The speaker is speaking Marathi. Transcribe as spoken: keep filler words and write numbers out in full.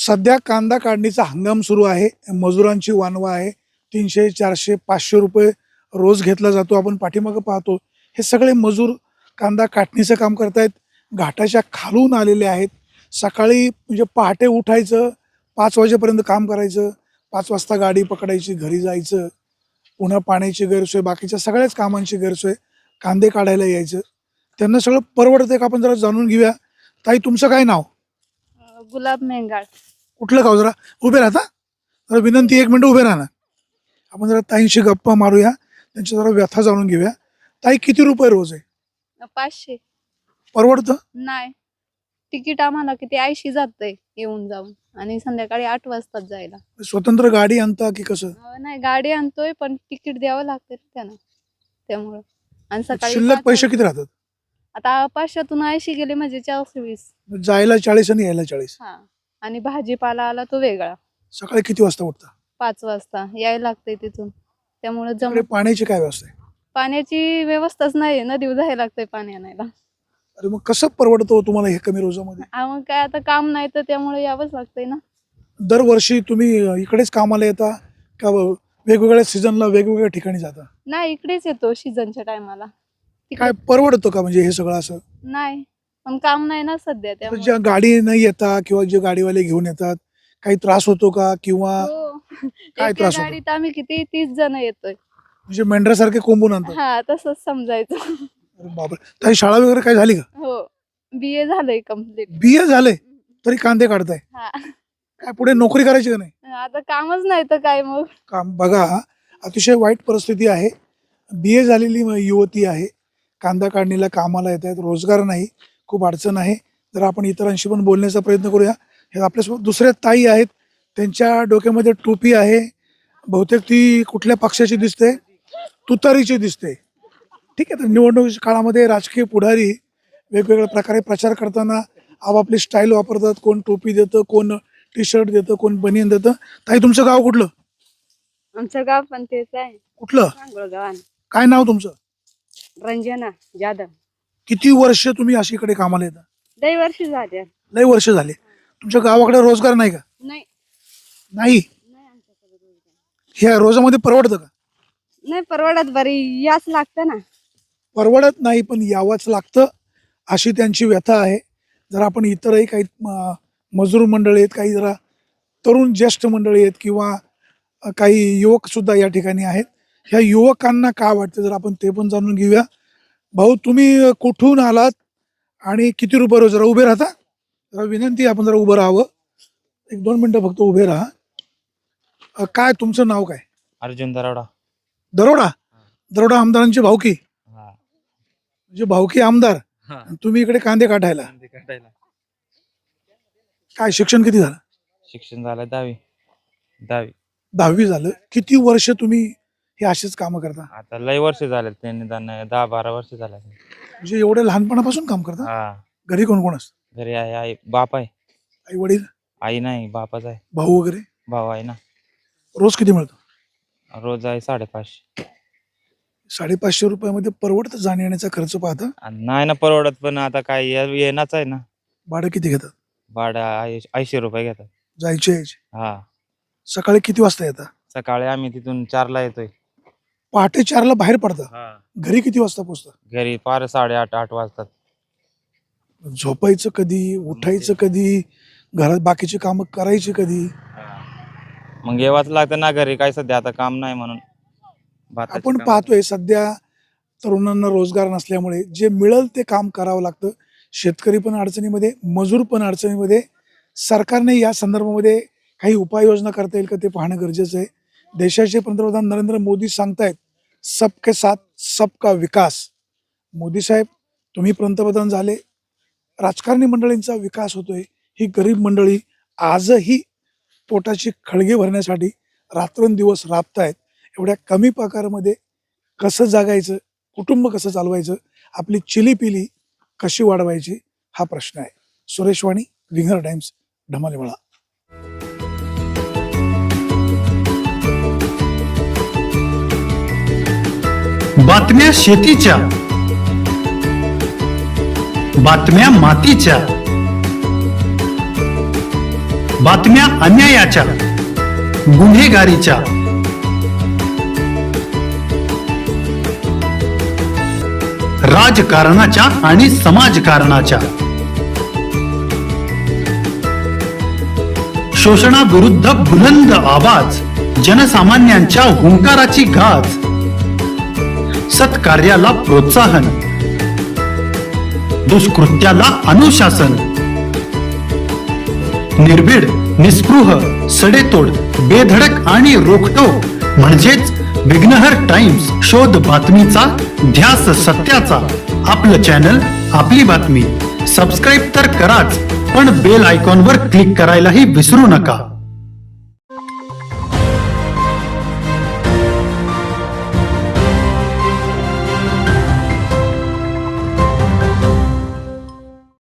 सध्या कांदा काढणीचा हंगाम सुरू आहे. मजुरांची वानवा आहे. तीनशे चारशे पाचशे रुपये रोज घेतला जातो. आपण पाठीमागं पाहतो हे सगळे मजूर कांदा काटणीचं काम करतायत. घाटाच्या खालून आलेले आहेत. सकाळी म्हणजे पहाटे उठायचं, पाच वाजेपर्यंत काम करायचं, पाच वाजता गाडी पकडायची, घरी जायचं, पुन्हा पाण्याची गैरसोय, बाकीच्या सगळ्याच कामांची गैरसोय, कांदे काढायला यायचं. त्यांना सगळं परवडतंय का आपण जरा जाणून घेऊया. ताई, तुमचं काय नाव? गुलाब मेंगाळ. कुठलं गाव? जरा उभे राहता, जरा विनंती, एक मिनिट उभे राहा. आपण जरा ताईंशी गप्पा मारूया, त्यांची जरा व्यथा जाणून घेऊया. ताई, किती रुपये रोज आहे? पाचशे. परवडतं? नाही, तिकीट आम्हाला किती ऐंशी जातंय येऊन जाऊन, आणि संध्याकाळी आठ वाजताच जायला. स्वतंत्र गाडी आणता की कसं? अं, नाही, गाडी आणतोय पण तिकीट द्यावं लागतं त्यानं, त्यामुळं. आणि सकाळी शिल्लक पाच पैसे वाजता- किती राहतात? आता पाचशेतून ऐंशी गेले म्हणजे चारशे वीस. जायला चाळीस आणि यायला चाळीस. हा, आणि भाजीपाला आला तो वेगळा. सकाळी किती वाजता उठता? पाच वाजता यायला लागतंय तिथून, त्यामुळे जम तिकडे पाण्याची काय व्यवस्था आहे? पाण्याची व्यवस्थाच नाही, नदीवर जायला लागतंय पाणी आणायला. अरे मग कसं परवडतं हो तुम्हाला हे कमी रोजामध्ये? आ, मग काय, आता काम नाही तर त्यामुळे यावंच लागतंय ना. दरवर्षी तुम्ही इकडेच कामाला येता का वेगवेगळ्या सीझनला वेगवेगळ्या ठिकाणी जाता? नाही, इकडेच येतो सीझनच्या टायमाला. काय परवडतं का म्हणजे हे सगळं असं? नाही, पण काम नाही ना सध्या, तर त्यामुळे. ज्या गाडी नाही येता किंवा जे गाडीवाले घेऊन येतात, काही त्रास होतो का? किंवा हो. काय एका त्रास होतो? गाडीत आम्ही किती तीस जण येतोय. म्हणजे मेंढरासारखे कोंबून आणतात? हा, तसंच समजायचं. अरे बापरे. काही शाळा वगैरे काय झाली का? हो, बी ए झालंय कम्प्लीट. बी ए झाले तरी कांदे काढताय? हा, काय पुढे नोकरी करायची का नाही? आता कामच नाही तर काय मग. काम बघा, अतिशय वाईट परिस्थिती आहे. बी ए झालेली म- युवती आहे, कांदा काढणीला कामाला येत आहेत, रोजगार नाही, खूप अडचण आहे. जर आपण इतरांशी पण बोलण्याचा प्रयत्न करूया. हे आपल्यासोबत दुसऱ्या ताई आहेत, त्यांच्या डोक्यामध्ये टोपी आहे, बहुतेक ती कुठल्या पक्षाची दिसते? तुतारीची दिसते. ठीक आहे. तर निवडणुकीच्या काळामध्ये राजकीय पुढारी वेगवेगळ्या प्रकारे प्रचार करताना आपापली स्टाईल वापरतात. कोण टोपी देतं, कोण टी शर्ट देतं, कोण बनियन देतं. ताई, तुमचं गाव कुठलं? आमचं गाव पण तेच आहे, कुठलं? गावान. काय नाव तुमचं? रंजना जाधव. किती वर्ष तुम्ही अशी इकडे कामाला येता? लई वर्ष झाले. लय वर्ष झाले. तुमच्या गावाकडे रोजगार नाही का? नाही, नाही. नाही आमच्याकडे रोजगार. ह्या रोजामध्ये परवडतं का? नाही परवडत, बरी याच लागतं ना. परवडत नाही, पण यावंच लागतं, अशी त्यांची व्यथा आहे. जर आपण इतरही काही म- मजूर मंडळी आहेत, काही जरा तरुण ज्येष्ठ मंडळी आहेत, किंवा अ, काही युवक सुद्धा या ठिकाणी आहेत. ह्या युवकांना काय वाटतं जर आपण ते पण जाणून घेऊया. भाऊ, तुम्ही कुठून आलात आणि किती रुपये रोज? जरा उभे राहता, जरा विनंती, आपण जरा उभं राहावं. एक दोन मिनटं फक्त उभे राहा. अ, काय तुमचं नाव काय? अर्जुन दरोडा. दरोडा. दरोडा आमदारांची भावकी, हा. म्हणजे भावकी आमदार, हा. आणि तुम्ही इकडे कांदे काढायला. कांदे काढायला. काय शिक्षण किती झालं? शिक्षण झालं दहावी. दहावी. दहावी झालं. किती वर्ष तुम्ही हे असेच कामं करता? आता लय वर्ष झाले, ते निदान दहा बारा वर्ष झाले. म्हणजे एवढे लहानपणापासून काम करता? हा. घरी कोण कोण असतं? घरी आहे, आई बाप आहे. आई वडील, आई नाही, बापच आहे. भाऊ वगैरे? भाऊ आहे ना. रोज किती मिळतं? रोज आहे साडेपाचशे. साडेपाचशे रुपयामध्ये परवडतं जाण्या येण्याचा खर्च पाहता? आणि नाही ना परवडत, पण आता काय ये- येणाच आहे ना. भाडं किती घेतात? भाडा ऐंशी ऐंशी रुपये घेतात. जायचे यायचे? हा. सकाळी किती वाजता येतात? सकाळी आम्ही तिथून चारला येतोय. पहाटे चारला बाहेर पडता, हा. घरी किती वाजता पोहोचता? घरी पार साडेआठ आठ वाजतात. झोपायचं कधी? उठायचं कधी? घरात बाकीची कामं करायची कधी? मग येवाच लागतं ना घरी, काय सध्या आता काम नाही म्हणून. भाताची आपण कामं. पाहतोय सध्या तरुणांना रोजगार नसल्यामुळे जे मिळेल ते काम करावं लागतं. शेतकरी पण अडचणीमध्ये, मजूर पण अडचणीमध्ये. सरकारने या संदर्भामध्ये काही उपाययोजना करता येईल का ते पाहणं गरजेचं आहे. देशाचे पंतप्रधान नरेंद्र मोदी सांगतायत सबके साथ सबका विकास. मोदी साहेब, तुम्ही पंतप्रधान झाले, राजकारणी मंडळींचा विकास होतोय. ही गरीब मंडळी आजही पोटाची खळगी भरण्यासाठी रात्रंदिवस राबतायत. एवढ्या कमी पगारामध्ये कसं जगायचं, कुटुंब कसं चालवायचं, आपली चिलीपिली कशी वाढवायची, हा प्रश्न आहे. सुरेश वाणी, विंगर टाइम्स, ढमालेमळा. बातम्या शेतीच्या, बातम्या मातीच्या, बातम्या अन्यायाच्या, गुन्हेगारीच्या, राजकारणाच्या आणि समाजकारणाच्या, शोषणाविरुद्ध बुलंद आवाज, जनसामान्यांच्या हुंकाराची गाज, सत्कार्याला प्रोत्साहन, दुष्कृत्याला अनुशासन, निर्भीड, निस्पृह, सडेतोड, बेधडक आणि रोखटोक म्हणजेच विघ्नहर टाइम्स. शोध बातमीचा, ध्यास सत्याचा. आपलं चॅनल, आपली बातमी. सबस्क्राईब तर कराच, पण बेल आयकॉनवर क्लिक करायलाही विसरू नका.